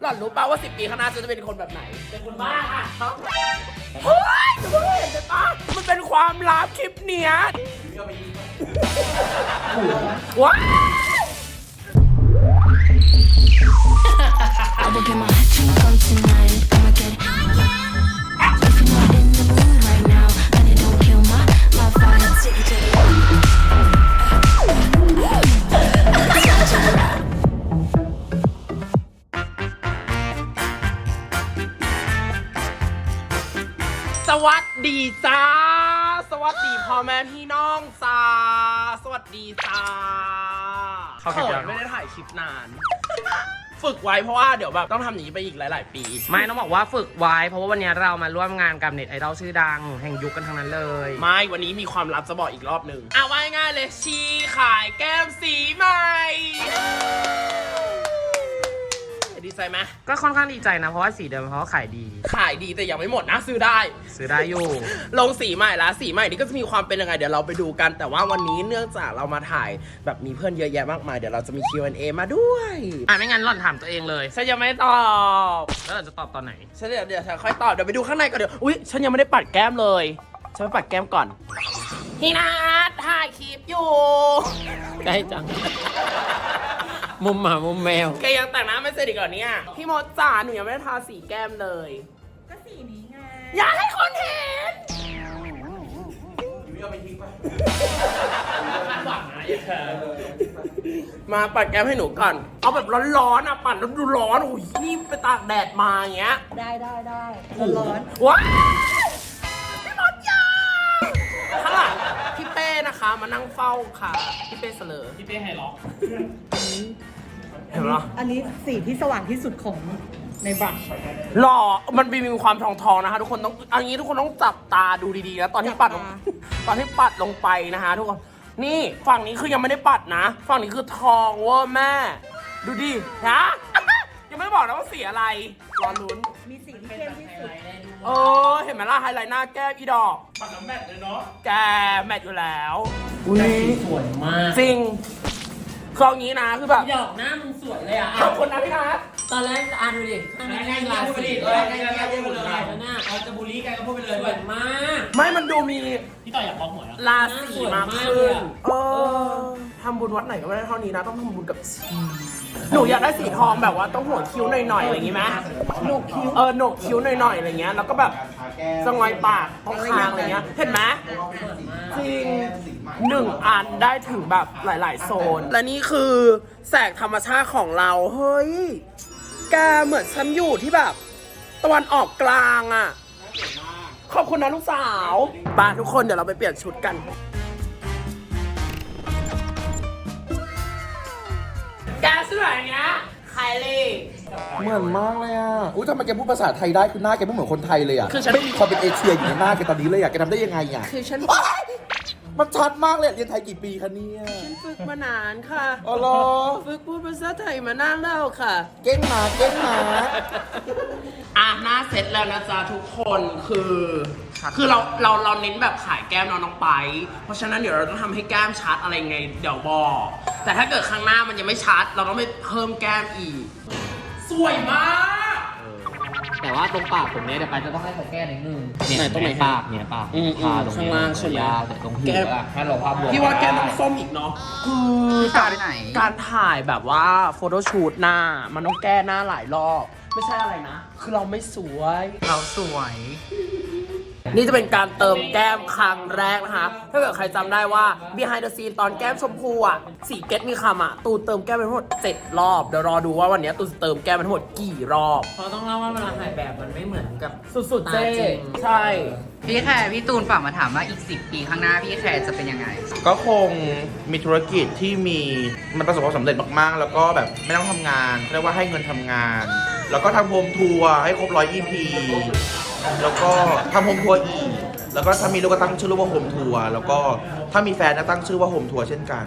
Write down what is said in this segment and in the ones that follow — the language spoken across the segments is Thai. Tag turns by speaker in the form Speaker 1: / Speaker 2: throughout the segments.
Speaker 1: หล่อนรู้ป่าวว่า10 ปีข้างหน้าจะเป็นคนแบบไหนเป็นคนบ้าค่ะเฮ้ยจะไม่เห็นเลยป่ะมันเป็นความลับคลิปเนี้ยว้า
Speaker 2: I will get my drink on tonight. I'ma get it. If you're not in the mood right now, and it don't kill my vibe. Take it to the
Speaker 1: สวัสดีจ้าสวัสดีพ่อแม่พี่น้องจ้าสวัสดีจ้าเขาไม่ได้ถ่ายคลิปนานฝึกไว้เพราะว่าเดี๋ยวแบบต้องทำอย่างนี้ไปอีกหลายๆปีไม่ต้องบอกว่าฝึกไว้เพราะว่าวันนี้เรามาร่วมงานกับเน็ตไอดอลชื่อดังแห่งยุคกันทั้งนั้นเลยไม่วันนี้มีความลับจะบอกอีกรอบหนึ่งว่าง่ายๆเลยชีขายแก้มสีใหม่ดีใจไหมก็ค่อนข้างดีใจนะเพราะว่าสีเดิมเขาขายดีแต่ยังไม่หมดนะซื้อได้อยู่ลงสีใหม่แล้วสีใหม่นี่ก็จะมีความเป็นยังไงเดี๋ยวเราไปดูกันแต่ว่าวันนี้เนื่องจากเรามาถ่ายแบบมีเพื่อนเยอะแยะมากมายเดี๋ยวเราจะมี Q&A มาด้วยไม่งั้นหล่อนถามตัวเองเลยฉันยังไม่ตอบแล้วหล่อนจะตอบตอนไหนฉันเดี๋ยวฉันค่อยตอบเดี๋ยวไปดูข้างในก่อนเดี๋ยวอุ๊ยฉันยังไม่ได้ปัดแก้มเลยฉันไปปัดแก้มก่อนพี่นัทถ่ายคลิปอยู่ได้จังมุมหมามุมแมวแกยังแต่งหน้าไม่เสร็จอีกเหรอเนี่ยพี่มดจ๋าหนูยังไม่ได้ทาสีแก้มเลย
Speaker 3: ก็สีนี้ไง
Speaker 1: อยากให้คนเห็นมาปัดแก้มให้หนูก่อนเอาแบบร้อนๆปัดแล้วดูร้อนโอ้ยนี่ไปตากแดดมาอย่างเงี้ย
Speaker 3: ได้ร้อน
Speaker 1: ว้าพี่มดจ๋าข้างหลังพี่เป้นะคะมานั่งเฝ้าค่ะพี่เป้เสลอพี่เป้ไฮล็อกเห็นไหม
Speaker 3: อันนี้สีที่สว่างที่สุดของในบัตร
Speaker 1: หล่อมันมีความทองนะคะทุกคนต้องอันนี้ทุกคนต้องจับตาดูดีๆนะตอนที่ปัดลงไปนะคะทุกคนนี่ฝั่งนี้คือยังไม่ได้ปัดนะฝั่งนี้คือทองเวอร์แม่ดูดินะยังไม่บอกนะว่าสีอะไรรอลุ้น
Speaker 3: มีสีที่เข้มที่สุด
Speaker 1: เห็นไหมล่ะไฮไลท์หน้าแก้มอีดอกปัดน้ำแมทเลยเนาะแกแมทอยู่แล้ว
Speaker 4: แต่สีสวยมาก
Speaker 1: จริงคืออย่างนี้นะคือแบบ
Speaker 4: ดอกหน้ามึงสวยเลยอ่ะ
Speaker 1: ขอบคุณนะพี่นัท
Speaker 4: ตอนแรกดูดิง่ายๆพูดไปดิง่ายๆพูดไปเลยแล้วหน้าเขาจะบูลลี่กันก็พูดไปเลยสวยมาก
Speaker 1: ไม่มันดูมี
Speaker 4: พี่ต่ออยากบอกหัวแล้ว
Speaker 1: ราศีมากขึ้นทำบุญวัดไหนก็ไม่ได้เท่านี้นะต้องทำบุญกับชีหนูอยากได้สีทองแบบว่าต้องหัวคิ้วหน่อยๆอะไรอย่างงี้ไหม
Speaker 3: โหนกคิ้ว
Speaker 1: โหนกคิ้วหน่อยๆอะไรเงี้ยแล้วก็แบบสงอยปากตรงคางอะไรเงี้ยเห็นไหมจริง1 อันได้ถึงแบบหลายๆโซนและนี่คือแสงธรรมชาติของเราเฮ้ยแกเหมือนฉันอยู่ที่แบบตะวันออกกลางอ่ะขอบคุณนะลูกสาวบ้านทุกคนเดี๋ยวเราไปเปลี่ยนชุดกันแกสวยอย่างเงี้ยไคลี่
Speaker 5: เหมือนมากเลยอ่ะทำไมแกพูดภาษาไทยได้คือหน้าแกไม่เหมือนคนไทยเลยอ่ะไม่มีความเป็นเอเชียอยู่ในหน้าแกตอนนี้เลยอ่ะแกทำได้ยังไงอ่ะ
Speaker 1: คือฉัน
Speaker 5: มันชัดมากเลยเรียนไทยกี่ปีคะเนี่ย
Speaker 1: ฉันฝึกมานานค่ะ
Speaker 5: อ๋อเหรอ
Speaker 1: ฝึกพูดภาษาไทยมานานแล้วค่ะ
Speaker 5: เก่งมา
Speaker 1: หน้าเสร็จแล้วนะจ๊ะทุกคนคือเราเน้นแบบขายแก้มน้องไปเพราะฉะนั้นเดี๋ยวเราต้องทำให้แก้มชัดอะไรไงเดี๋ยวบอกแต่ถ้าเกิดข้างหน้ามันยังไม่ชัดเราต้องไปเพิ่มแก้มอีกสวยมาก
Speaker 4: แต่ว่าตรงปากผมเนี่ยเดี๋ยวไปจะต้องให้เขาแก้นิดนึงเนี่ยตรงปากเนี่ยปากทาตรงนี้ยาวแต่ตรงหูแค่ลงภาพรวม
Speaker 1: พี่ว่าแก้มต้องส้มอีกเนาะคือการถ่ายแบบว่าโฟโต้ชูตหน้ามันต้องแก้หน้าหลายรอบไม่ใช่อะไรนะคือเราไม่สวยเราสวยนี่จะเป็นการเติมแก้มครั้งแรกนะคะถ้าเกิดใครจำได้ว่า behind the scene ตอนแก้มชมพูสีเก็ตมีคำตูเติมแก้มไปทั้งหมด7 รอบเดี๋ยวรอดูว่าวันนี้ตูจะเติมแก้มไปทั้งหมดกี่รอบ
Speaker 4: เพราะต้องเล่าว่าเวลาถ่ายแบบมันไม่เหมือนกับ
Speaker 1: สุดๆเจ๊ใช่
Speaker 6: พี่แคร์พี่ตูนฝากมาถามว่าอีก10 ปีข้างหน้าพี่แคร์จะเป็นยังไง
Speaker 5: ก็คงมีธุรกิจที่มันประสบความสำเร็จมากๆแล้วก็แบบไม่ต้องทำงานเรียกว่าให้เงินทำงานแล้วก็ทำโฮมทัวร์ให้ครบ100 EP แล้วก็ทำโฮมทัวร์อีกแล้วก็ถ้ามีลูกก็ตั้งชื่อลูกว่าโฮมทัวร์แล้วก็ถ้ามีแฟนก็ตั้งชื่อว่าโฮมทัวร์เช่นกัน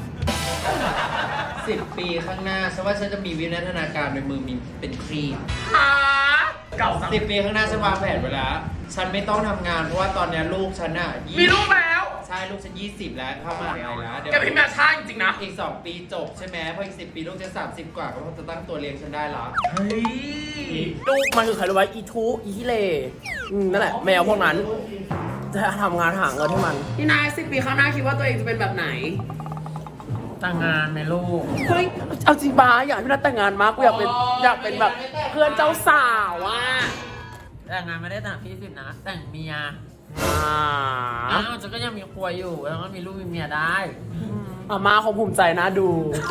Speaker 4: 10 ปีข้างหน้าฉันว่าฉันจะมีวิวัฒนาการในมือมีเป็นครีม
Speaker 1: เก่า
Speaker 4: 10 ปีข้างหน้าฉันวางแผนไว้แล้วฉันไม่ต้องทำงานเพราะว่าตอนนี้ลูกฉัน
Speaker 1: มีลูกแล้ว
Speaker 4: ใช่
Speaker 7: ช่ลูกฉัน20แล้วเข้ามหาลัยแล้วเดี๋ยว
Speaker 1: แกเป็นแม่ช่างจริงๆนะ
Speaker 7: อีก2 ปีจบใช่ไหมพออีก10 ปีลูกจะ30 กว่าก็จะตั้งตัวเลี้ยงฉันได้ละ
Speaker 1: เฮ้ยลูกมันคือใครรู้ไหมอีทูอีฮิเลนั่นแหละแมวพวกนั้น จะทำงานหาเงินให้มันพี่นาย10 ปีข้างหน้าคิดว่าตัวเองจะเป็นแบบไหน
Speaker 4: แต่งงานไหมลูก
Speaker 1: เฮ้ยเอาจริงบ้าอยากให้พี่นัทแต่งงานมากกูอยากเป็นแบบเพื่อนเจ้าสาวอ่ะ
Speaker 4: แต่งงานไม่ได้แต่งพี่10นะแต่งเมีย
Speaker 1: อ่า
Speaker 4: อ้าวจะก็ยังมีครัวอยู่แล้วก็มีลูกมีเมียได้
Speaker 1: อาม่าคงภูมิใจนะดู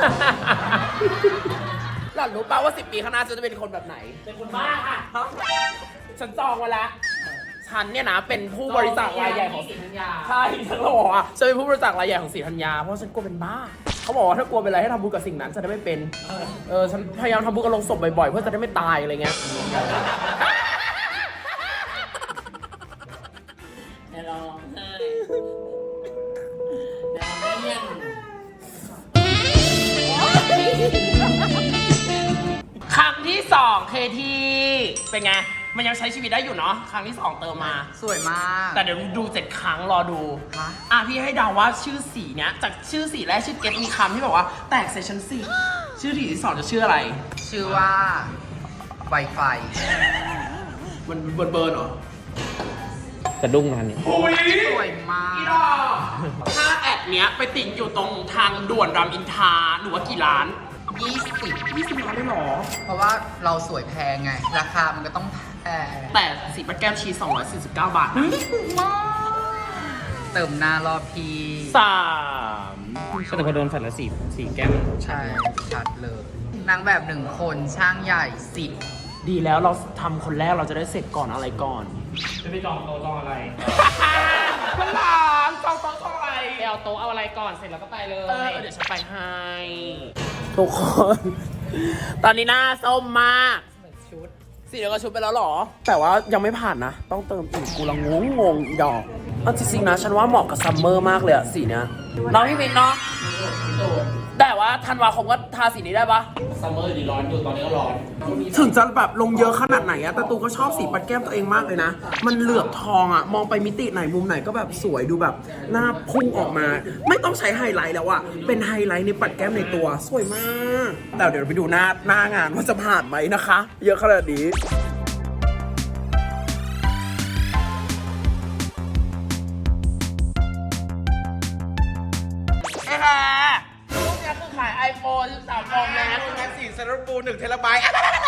Speaker 1: หล่อนรู้ป่าว่า10 ปีข้างหน้าจะเป็นคนแบบไหน เป็นคนบ้าค่ะฉันจองไว้แล้ว ฉันเนี่ยนะเป็นผู้บริจาครายใหญ่ของศรีธัญญาใช่ฉันบอกว่าฉันเป็นผู้บริจาครายใหญ่ของศรีธัญญาเพราะฉันกลัวเป็นบ้า เขาบอกว่าถ้ากลัวเป็นอะไรให้ทำบุญกับสิ่งนั้นจะได้ไม่เป็นฉันพยายามทำบุญกับโลงศพบ่อยๆเพื่อจะได้ไม่ตายอะไรเงี้ย
Speaker 4: อย่าร้องไห้อย่าเลี่ยน
Speaker 1: ครั้งที่2เคที่เป็นไง มันยังใช้ชีวิตได้อยู่เนาะครั้งที่2เติมมา
Speaker 6: สวยมาก
Speaker 1: แต่เดี๋ยวดู7 ครั้งรอดู
Speaker 6: ฮะ
Speaker 1: พี่ให้เดาว่าชื่อสีเนี้ยจากชื่อสีแรกชื่อเก็ตมีคำที่แบบว่าแตกเซสชั่น4ชื่อสีที่ 2จะชื่ออะไร
Speaker 6: ชื่อว่า Wi-Fi
Speaker 1: มันเบิร์นเหรอ
Speaker 4: สะดุ้งงานนี้
Speaker 6: สวยมาก
Speaker 1: พี่ดอกถ้าแอดเนี้ยไปติ่งอยู่ตรงทางด่วนรามอินทราหนูว่ากี่ล้าน
Speaker 6: 20
Speaker 1: ล้านได้หรอ
Speaker 6: เพราะว่าเราสวยแพงไง ราคามันก็ต้องแพง
Speaker 1: แต่สีปัดแก้มชี249 บาทนะ
Speaker 6: เติมหน้ารอบพี
Speaker 1: 3
Speaker 4: แต่พอโดนฝันละสีแก้ม
Speaker 6: ใช่ชัดเลย นางแบบ1 คนช่างใหญ่10
Speaker 1: ดีแล้วเราทำคนแรกเราจะได้เสร็จก่อนอะไรก่อน
Speaker 4: จะไปจองโต๊ะจองอะไร
Speaker 1: พลังจองโต๊ะจองอะไร
Speaker 4: ไปเอาโต๊ะเอาอะไรก่อนเสร็จแล้วก็ไปเลย
Speaker 1: เดี๋ยวฉันไปให้ ทุกคน ตอนนี้หน้าส้มมากสีเดียวกับชุดไปแล้วเหรอ แต่ว่ายังไม่ผ่านนะ ต้องเติมอีกกูละงงอีดอกเอาจริงๆนะ ฉันว่าเหมาะกับซัมเมอร์มากเลยอะสีเนี้ยน้องพี่มินเนาะแต่ว่าธันวาคมก็ทาสีนี้ได้ปะ
Speaker 4: ซัมเมอร์ดีร้อนอยู่ตอนนี้ก็ร้อน
Speaker 1: ถึงจะแบบลงเยอะขนาดไหนอะแต่ตูก็ชอบสีปัดแก้มตัวเองมากเลยนะ มันเหลือบทองอะมองไปมิติไหนมุมไหนก็แบบสวยดูแบบหน้าพุ่งออกมา ไม่ต้องใช้ไฮไลท์แล้วอะเป็นไฮไลท์ในปัดแก้มในตัวสวยมากแต่เดี๋ยวไปดูหน้างานว่าจะผ่านไหมนะคะ เยอะขนาดนี้เอ้ค่ะพวกนี้คือขาย iPhone 13 Pro Max
Speaker 5: งาน4เซนต์ปู1 เทราไบต์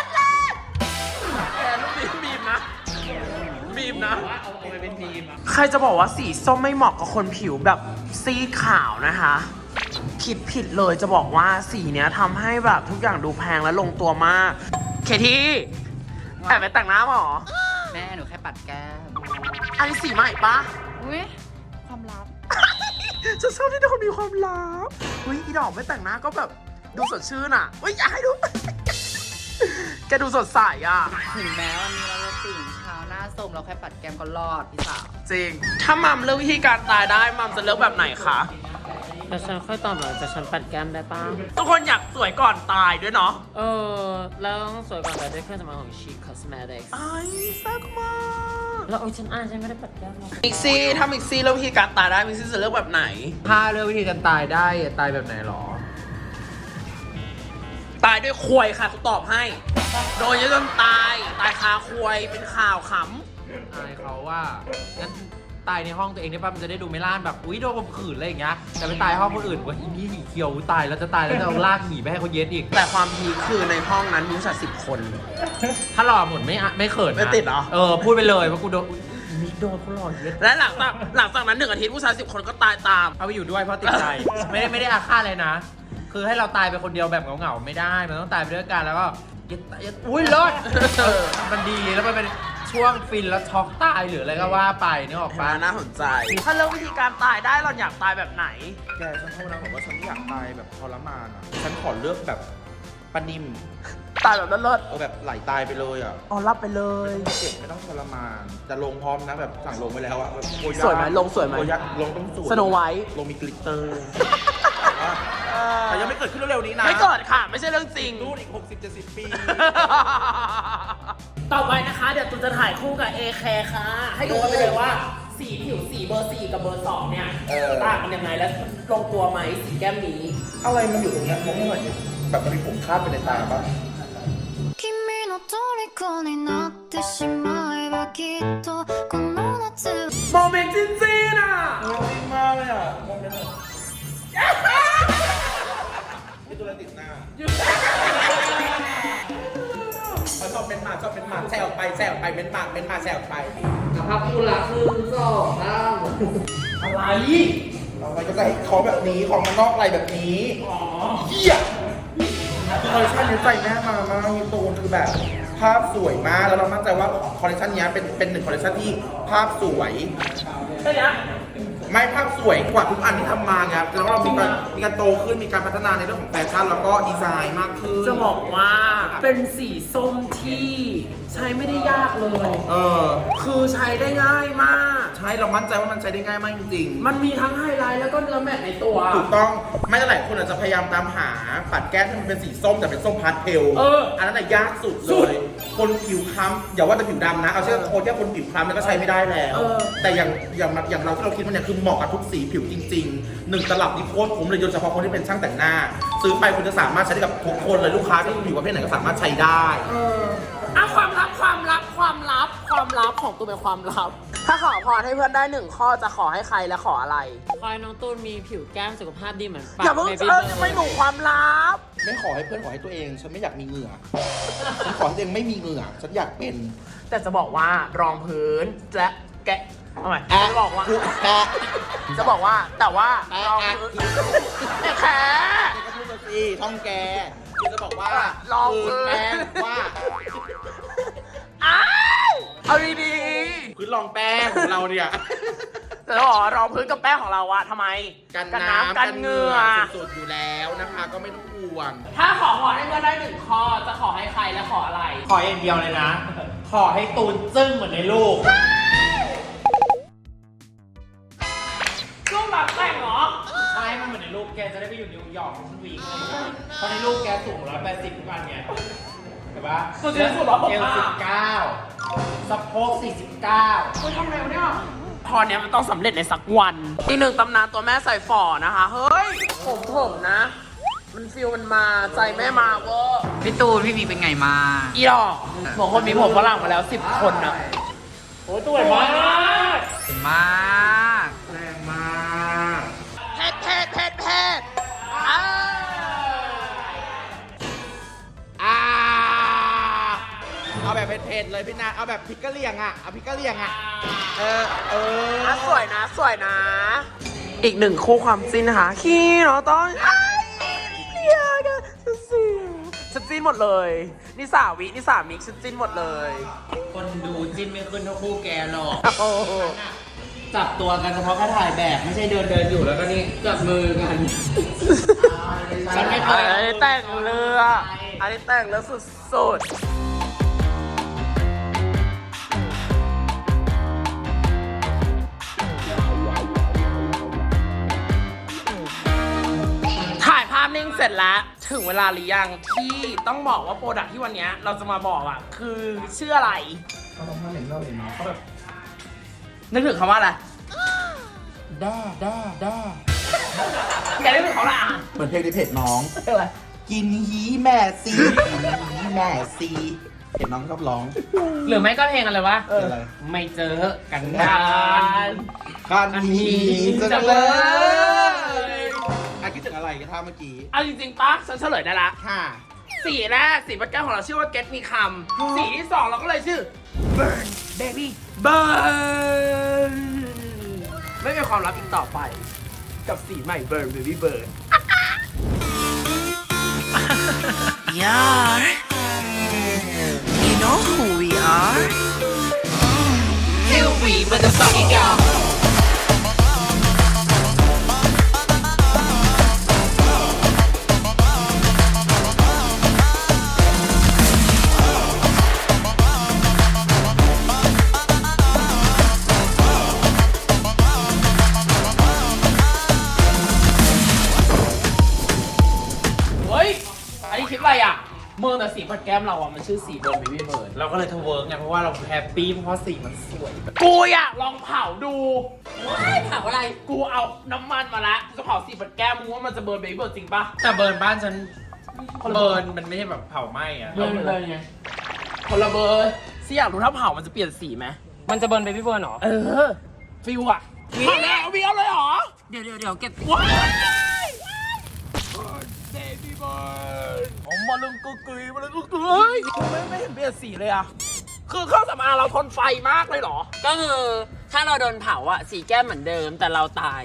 Speaker 1: แต่ลูกนี้บีมนะ บีมนะใครจะบอกว่าสีส้มไม่เหมาะกับคนผิวแบบซีดขาวนะคะ คิดผิดเลยจะบอกว่าสีเนี้ยทำให้แบบทุกอย่างดูแพงและลงตัวมาก เคที่แอบไปแต่งหน้าเหรอ
Speaker 6: แม่หนูแค่ปัดแก้ม
Speaker 1: อันนี้สีใหม่ปะ
Speaker 6: อุ้ยความลับ
Speaker 1: จะชอบที่ทุกคนมีความลับเฮ้ยอีดอกไม่แต่งหน้าก็แบบดูสดชื่นอ่ะเฮ้ยอยากให้ดู แกดูสดใสอ่ะ
Speaker 6: ถึงแม้วันนี้เราจะตื่นเช้าหน้าส้มเราแค่ปัดแก้มก็รอดพี่สาว
Speaker 1: จริง ถ้ามัมเลือกวิธีการตายได้มัมจะเลือกแบบไหนคะ
Speaker 4: แต่ฉันค่อยตอบหลังจากฉันปัดแก้มได้ป่ะ
Speaker 1: ทุกคนอยากสวยก่อนตายด้วยเนาะ
Speaker 4: แล้วต้องสวยก่อนแต่ด้วยเครื่องสำอางของ Chic Cosmetics
Speaker 1: ไอ้แซ่บมาก
Speaker 4: แล้วฉันไม่ได้ปัดแก้มหรอก
Speaker 1: มิกซี่ถ้ามิกซี่เลือกวิธีการตายได้มิกซี่จะเลือกแบบไหน
Speaker 7: ถ้าเลือกวิธีการตายได้ตายแบบไหนหรอ
Speaker 1: ตายด้วยควยค่ะกูตอบให้ โดนเยอะจนตายคาควยเป็นข่าวข
Speaker 7: อายเขาว่างั้นตายในห้องตัวเองได้ป่ะมันจะได้ดูไม่ล่านแบบอุ้ยโดนข่มขืนอะไรอย่างเงี้ยแต่ไปตายห้องคนอื่นว่าอีนี่หนีเคียวตายแล้วจะตายแล้วจะเอาลากหนีไปให้เขาเย็ดอีก
Speaker 1: ำแต่ความพีคคือในห้องนั้นมีผู้ชาย10 คน
Speaker 7: ถ้าหล่อหมดไม่เขินนะ
Speaker 1: ไม่ติดเหรอ
Speaker 7: พูดไปเลยว่ากูโดนอุ๊ยอีนี่โดนเขาหล่อเย็ด
Speaker 1: และหลังจากนั้น1 อาทิตย์ผู้ชาย10 คนก็ตายตาม
Speaker 7: เอาไปอยู่ด้วยเพราะติดใจ ไม่ได้อาฆาตเลยนะ คือให้เราตายไปคนเดียวแบบเหงาๆไม่ได้ มันต้องตายไปด้วยกันแล้วก็อุ้ยรอดมันดีแล้วมันเป็นช่วงฟินแล้วช็อกตายหรืออะไรก็ว่าไปนึกออกปะ
Speaker 1: น่าสนใจ ถ้าเลือกวิธีการตายได้เราอยากตายแบบไหน
Speaker 5: แกฉันโทษนะบอกว่าฉันไม่อยากตายแบบทรมานอ่ะ ฉันขอเลือกแบบปานิม
Speaker 1: ตายแบบเลิศ
Speaker 5: แบบไหลตายไปเลยอ่ะ
Speaker 1: ๆอ๋อรับไปเลย
Speaker 5: เจ็บไม่ต้องทรมานจะลงพร้อมนะแบบสั่งลงไปแล้วอ่ะแบบโกา
Speaker 1: สวยไหมลงสวยไหม
Speaker 5: โกาลงต้องสวย
Speaker 1: Snow White
Speaker 5: ลงมีกลิตเตอร์แต่ยังไม่เกิดขึ้นเร็วๆนี้นะ
Speaker 1: ไม่เกิดค่ะ ไม่ใช่เรื่องจริง
Speaker 5: นู่นอีก 60-70 ปี
Speaker 1: ต่อไปนะคะ เดี๋ยวตูนจะถ่ายคู่กับเอแคร์ค่ะ ให้ดูกันไปเลยว่าสีผิวสีเบอร์ 4 กับเบอร์ 2 เนี่ย
Speaker 5: เออ
Speaker 1: ต่างกันยังไงและลงตัวไหมสีแก้มนี้
Speaker 5: อะไรมันอยู่ตรงเนี้ยมองไม่เห็นดิแบบมันมีผมคาดไปในตาปะ
Speaker 2: 君の虜になってしまえばきっとこの夏
Speaker 1: โมเมนต์จริงๆอ่ะ
Speaker 5: มากเลยอ่ะมองไม่เห็นมีตัวอะไรติดหน้าชอบเป็นหมาชอบเป็นหมาแซวไปแซวไปเป็นหมาเป็นหมาแซวไป
Speaker 4: ภาพคู่รัก1 2 3
Speaker 1: อะไร
Speaker 5: เราก็จะให้ของแบบนี้ของมันนอกอะไรแบบนี้เหี้ยคอลเลคชันนี้ใจแม่มามากมีตูนคือแบบภาพสวยมากแล้วเรามั่นใจว่าคอลเลคชันนี้เป็นหนึ่งคอลเลคชันที่ภาพสวย
Speaker 1: ใช่ไหม
Speaker 5: ไม่ภาพสวยกว่าทุกอันที่ทำมาไงแล้วเรามีการโตขึ้นมีการพัฒนาในเรื่องของแฟชั่นแล้วก็ดีไซน์มากขึ้น
Speaker 1: จะบอกว่าเป็นสีส้มที่ใช้ไม่ได้ยากเลย คือใช้ได้ง่ายมาก
Speaker 5: ใช่เรามั่นใจว่ามันใช้ได้ง่ายมากจริงๆ
Speaker 1: มันมีทั้งไฮไลท์แล้วก็เนื้อแมตต์ในตัว
Speaker 5: ถูกต้องไม่หลายคนอาจจะพยายามตามหาปัดแก้มที่มันเป็นสีส้มแต่เป็นส้มพาสเทล อันนั้นน่ะยากสุดเลยคนผิวคล้ำอย่าว่าแต่ผิวดำนะเอาเชื่อคนแค่คนผิวคล้ำเนี่ยก็ใช้ไม่ได้แล้ว แต่อย่างเราที่เราคิดว่าเนี่ยคือเหมาะกับทุกสีผิวจริงๆ1 ตลับนี่โคตรคุ้มเลยโดยเฉพาะคนที่เป็นช่างแต่งหน้า ซื้อไปคุณจะสามารถใช้ได้กับทุกคนเลยลูกค้าที่ผิวประเภทไหนก็สามารถใช้ได้
Speaker 1: ความลับของตัวเป็นความลับ ถ้าขอพรให้เพื่อนได้1 ข้อจะขอให้ใครและขออะไร
Speaker 6: คอยน้องตูนมีผิวแก้มสุขภาพดีเหมือนปาก
Speaker 1: อย่าเพิ่ง
Speaker 6: Baby
Speaker 1: จะไม่หนูความลับ
Speaker 5: ไม่ขอให้เพื่อนขอให้ตัวเอง ฉันไม่อยากมีเหงื่อฉันขอให้ตัวเองไม่มีเหงื่อฉันอยากเป็น
Speaker 1: แต่จะบอกว่ารองพื้นและแกะเอาใหม่จะบอกว่า
Speaker 5: แปะ
Speaker 1: จะบอกว่าแต่ว่ารองพื้นเนี่ยแค่
Speaker 5: ก็พูดมาสิท่องแกคือจะบอกว่า
Speaker 1: ลองพื้น
Speaker 5: แป้งว่า
Speaker 1: อ้าวเอาดี
Speaker 5: พื้นรองแป้งของเราเนี่ย
Speaker 1: ๆแต่จะบอกว่ารองพื้นกับแป้งของเราอะทำไม
Speaker 5: กันน้ำ
Speaker 1: กันเหงื่อ
Speaker 5: สุดๆอยู่แล้วนะคะ ก็ไม่ต้องห่วง
Speaker 1: ถ้าขอพรให้เพื่อนได้1 ข้อจะขอให้ใครและขออะไร
Speaker 7: ขออย่างเดียวเลยนะ ขอให้ตูนจึ้งเหมือนในรูป
Speaker 1: ช่วงแบบแต่งเหรอ
Speaker 7: ใช่มันเหมือนในรูปแกจะได้ไปอยู่นิวยอร์กทั้งวีคเลยเพราะในรูปแกสูง180ทุกวันไงเห็นปะ
Speaker 1: สุดที่สุด169
Speaker 7: เอว19สะโพก49
Speaker 1: คุณทำอะไรวะเนี่ยพรเนี้ยมันต้องสำเร็จในสักวันอีก 1 ตำนานตัวแม่ใส่ฝ่อนะคะ เฮ้ย ผมนะ มันฟิลมันมาใจแม่มาเวอร์
Speaker 6: พี่ตูนพี่มีเป็นไงมา
Speaker 1: อีดอกบอกคนมีผมฝรั่งมาแล้ว10 คนนะโอ้ยตัวใหญ่มาก
Speaker 6: สวยมาก
Speaker 5: แรงมาก
Speaker 1: เผ็ด
Speaker 5: เอาแบบเผ็ดๆเลยพี่นาเอาแบบพริกกะเหรี่ยงอ่ะเอาพริกกะเหรี่ยงอ่ะ
Speaker 1: สวยนะ อีก 1 คู่ความจิ้นนะคะขี้เนาะต้องเรียกอะฉันจิ้นหมดเลยนี่3 วินี่3 มิกฉันจิ้นหมดเลย
Speaker 7: คนดูจิ้นไม่ขึ้นเท่าคู่แกหรอก
Speaker 1: โอ้โห
Speaker 7: จับตัวกันเฉพาะแค่ถ่ายแบบ ไม่ใช่เดินอยู่แล้วก็นี่จับมือกัน ฉันไม่เคย
Speaker 1: อันนี้แต่งเรืออันนี้แต่งเรือสุดๆถ่ายภาพนิ่งเสร็จแล้ว ถึงเวลาหรือยังที่ต้องบอกว่าโปรดักที่วันนี้เราจะมาบอกอ่ะ คือชื่ออะไร
Speaker 5: เขาต้องมาเห็นเราเห็นเขาแบบ
Speaker 1: นึกถึงคำว่าอะไร
Speaker 5: ด้า
Speaker 1: แกนึกถึงเขาอะไรอ่ะ
Speaker 5: เหมือนเพลงในเพจน้อง
Speaker 1: อะไร
Speaker 5: กินฮีแม่ซีกินฮีแม่ซีเห็นน้องชอบร้อง
Speaker 1: หรือไม่ก็เพลงอะไรวะ
Speaker 5: เป็นอะไร
Speaker 1: ไม่เจอกันนาน
Speaker 5: คันฮีจังเล
Speaker 1: เลย
Speaker 5: คิดถึงอะไรกันท่าเมื่อกี้
Speaker 1: เอาจริงๆปะฉันเฉลยได้ละ
Speaker 5: ค่ะ
Speaker 1: สีแรกสีปัดแก้วของเราชื่อว่า Get มีคำสีที่ 2 เราก็เลยชื่อ Burn Baby Burn ไม่มีความลับอีกต่อไป กับสีใหม่ Burn Baby Burn
Speaker 8: Yeah, you know who we are.
Speaker 1: Here we motherfucking go เฮ้ย อันนี้คลิปอะไรอ่ะ เมืองแต่สีปัดแก้วแก้มเราอ่ะมันชื่อสีเบิร์นเบบี้เบิร์น
Speaker 7: เราก็เลยทเวิร์กไงเพราะว่าเราแฮปปี้เพราะสีมันสวย
Speaker 1: กูอยากลองเผาดู
Speaker 6: ถามอะไร
Speaker 1: กูเอาน้ำมันมาละกูจะเผาสีเบิร์นแก้มมึงว่ามันจะเบิร์นเบบี้เบิร์นจริงปะ
Speaker 7: แต่เบิร์นบ้านฉันเบิร์นมันไม่ใช่แบบเผาไหม้อะ
Speaker 1: เบิร์นเลยไงคนละเบิร์นสิอยากรู้ถ้าเผามันจะเปลี่ยนสีไหม
Speaker 6: มันจะเบิร์นเบบี้เบิร์นเหรอ
Speaker 1: ฟิวอะมาแล้ววิเอาเลยเหรอ
Speaker 6: เดี๋ยวเก็บ
Speaker 1: ว้ายเบบี้เบิร์นผมมาลึงกุ๊กกุยมาลึงกุ๊กกุยไม่เห็นเปลี่ยนสีเลยอะคือเครื่องสำอางเราทนไฟมากเลยเหรอ
Speaker 6: ก็คือถ้าเราโดนเผาอะสีแก้มเหมือนเดิมแต่เราตาย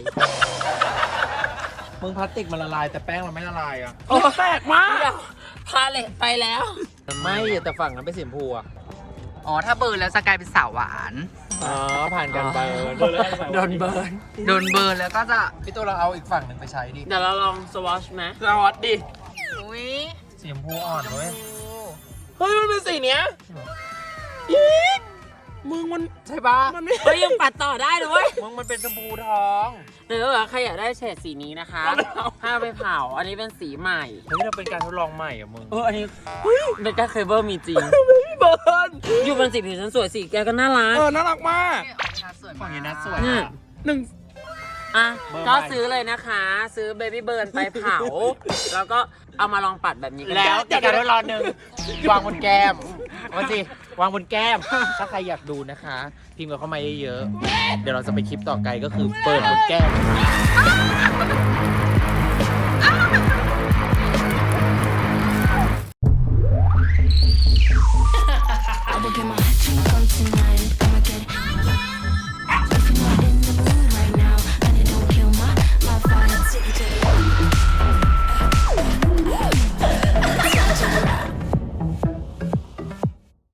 Speaker 7: มึงพลาสติกมันละลายแต่แป้งเราไม่ละลายอะ
Speaker 1: โอ้แปลกมาก
Speaker 6: พาเลตไปแล้ว
Speaker 7: ไม่แต่ฝั่งนั้นเป็นสีชมพูอะ
Speaker 6: อ๋อถ้าเบิร์นแล้วจะกลายเป็นสาวหวาน
Speaker 7: อ๋อผ่านกันเบิร์น
Speaker 6: โดนเบิร์นแล้วก็จะ
Speaker 7: พี่ตัวเราเอาอีกฝั่งหนึ่งไปใช้ดิ
Speaker 6: เดี๋ยวเราลองสวอชไหม
Speaker 1: สวัสดี
Speaker 6: อุ้ย
Speaker 7: สีชมพูอ่อนเว้ย
Speaker 1: เฮ้ยมันเป็นสีเนี้ยอีกมึงมันใช่ปะมันไม่
Speaker 6: เฮ้ยยังปัดต่อได้ด้วย
Speaker 7: มึงมันเป็นชมพูทอง
Speaker 6: หรือว่าใครอยากได้เฉดสีนี้นะคะห้ามไปเผาอันนี้เป็นสีใหม่
Speaker 7: เฮ้ยเราเป็นการทดลองใหม่อะมึง
Speaker 6: อันนี้เบกาเคเบิลมีจริง
Speaker 1: เบิร์น
Speaker 6: อยู่บนสีผิวฉันสวยสีแกก็น่ารัก
Speaker 1: น่ารักมาก
Speaker 7: ฝั่งนี้นะสวย
Speaker 6: เนี่ย
Speaker 1: หนึ่ง
Speaker 6: อ่ะ
Speaker 7: เบอร์
Speaker 6: ก็
Speaker 7: ใหม่
Speaker 6: ซื้อเลยนะคะ ซื้อเบบี้เบิร์นไปเผา แล้วก็เอามาลองปัดแบบนี้กัน
Speaker 7: แล้วแต่การทดลองหนึ่งวางบนแก้มว่าสิวางบนแก้ม ถ้าใครอยากดูนะคะ พิมพ์กันเข้ามาเยอะๆเดี๋ยวเราจะไปคลิปต่อไกลก็คือเปิดบนแก้ม